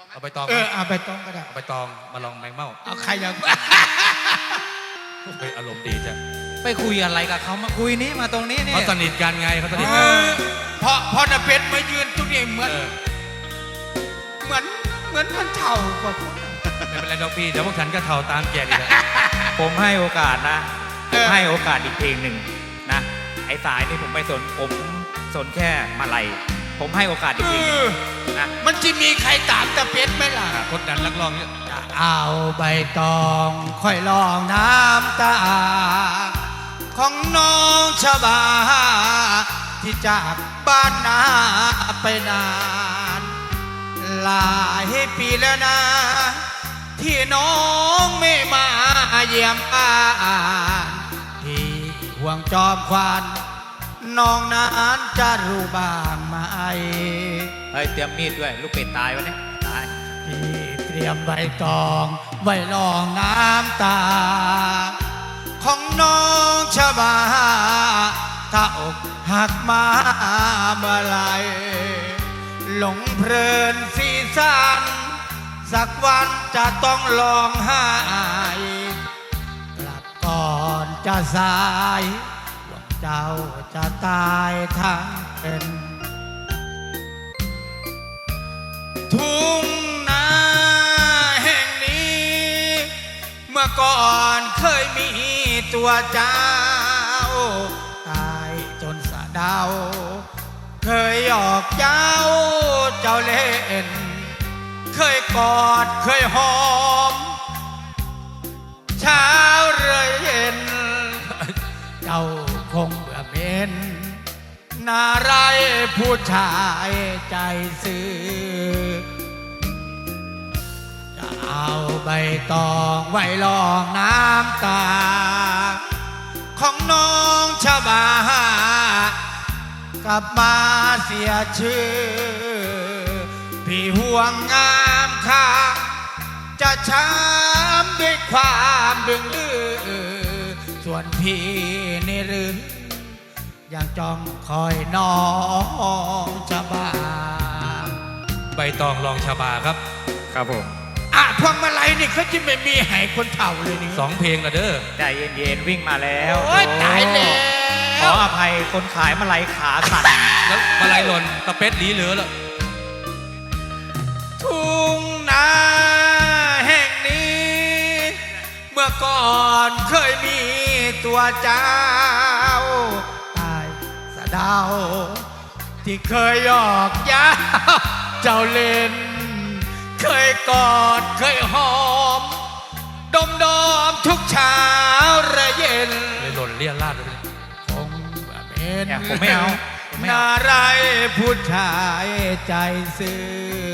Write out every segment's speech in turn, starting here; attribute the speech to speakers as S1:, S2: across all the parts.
S1: เอาไปตอง
S2: เอาไปตองก็ได้
S1: เอาไปตองมาลองแมงเม่า
S2: เอาใครอยาก
S1: เฮ้ยอารมณ์ดีจ้ะ
S3: ไปคุยอะไรกับเขามาคุยนี้มาตรงนี้นี่
S1: เขาสนิทกันไงเขาสนิทกัน
S2: พอนาเพชรมายืนตรงนี้เหมือน
S1: เออ
S2: มันเท่ากว่าผม
S1: ไม่เป็นไรดอกพี่เดี๋ยวพวกฉันก็เท่าตามแกนี่แหละ
S3: ผมให้โอกาสนะผมให้โอกาสอีกเพลงหนึ่งนะไอ้สายนี่ผมไม่สนผมสนแค่มาลัยผมให้โอกาสอีกเพลงหนึ่งนะ
S2: มันจะมีใครตามตาเพชรไหมล่ะ
S1: กดดันนักร้องเนี่ย
S2: จะเอาใบตองค่อยลองน้ำตา ของน้องชบา ที่จากบ้านนาไปนาน หลายปีแล้วนะ ที่น้องไม่มาเยี่ยมบ้านที่ห่วงจอมควันน้องนั้นจะรู้บ้างไหม
S3: เฮ้ยเตรียมมีดด้วยลูกเป็ดตายวะเนี่ยตาย
S2: ที่เตรียมใบตองไว้รองน้ำตา ของน้องชบา ถ้าอกหักมาเมื่อไรหลงเพลินสีสันสักวันจะต้องร้องไห้กลับก่อนจะสายหวังเจ้าจะตายทั้งเป็น ทุ่งนาแห่งนี้ เมื่อก่อนเคยมีตัวเจ้า ตายจนสะเดา เคยหยอกเจ้าเล่น เคยกอดเคยหอม เช้าเรื่อยเย็น เจ้าคงเบื่อเม็นนาไรผู้ชายใจซื่อจะเอาใบตองไว้รองน้ำตา ของน้องชบากลับมาเสียชื่อ พี่ห่วงงามค่าจะช้ำด้วยความดึงดื้อส่วนพี่นี่หรือยังจ้องคอยน้องชบา
S1: ใบตองลองชาบาครับ
S3: ครับผม
S2: พวงมาลัยนี่เขาจะไม่มีให้คนเฒ่าเลยนี่
S1: 2 เพลงละเด้อ
S3: ใจเย็นๆวิ่งมาแล้ว
S2: โอ้ยตายแล้
S3: ขอ
S2: ว
S3: อภัยคนขายมาลัยขาสั่น
S1: แล้วมาลายหล่นตะเป็ดหลีเหลือละ
S2: ทุ่งนาแห่งนี้ เมื่อก่อนเคยมีตัวเจ้า ตายสะเดา ที่เคยหยอกเย้าเจ้าเล่น เคยกอดเคยหอม ดมทุกเช้าระเย็น
S1: เลยหล่นเลี่ยราดเลย
S2: คงแบบเป็น
S3: เนี่ยผมไม่เอาผมไม่
S2: นา
S3: เอา
S2: ไรผู้ชายใจซื่อ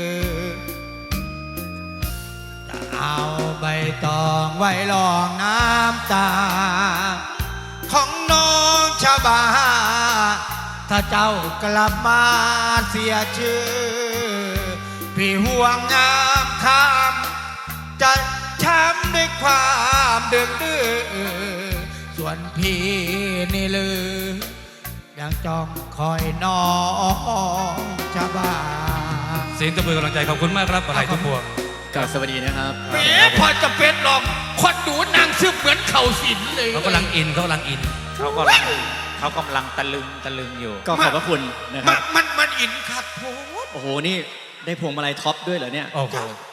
S2: จะเอาใบตองไว้รองน้ำตา ของน้องชบา ถ้าเจ้ากลับมาเสียชื่อ พี่ห่วงงามคำจะช้ำด้วยความดึกดื้อส่วนพี่นี่ลือ ยังจ้องคอยน้องชบา
S1: เสียงตะบือกำลังใจขอบคุณมากครับมาลายทุกพวง
S4: กราบสวัสดีนะครับ
S2: แหมพอจะเป็นหรอกคนดูนางซึบเหมือนเข่าสินเลย
S1: เขากำลังอินเขากำลังอิน
S3: เขากำลังตะลึงอยู่
S4: ก็ขอบพระคุณนะครับ
S2: มันอินครับโพด
S4: โอ้โห นี่ได้พวงมาลัยท็อปด้วยเหรอเนี่ย
S1: โอ้โห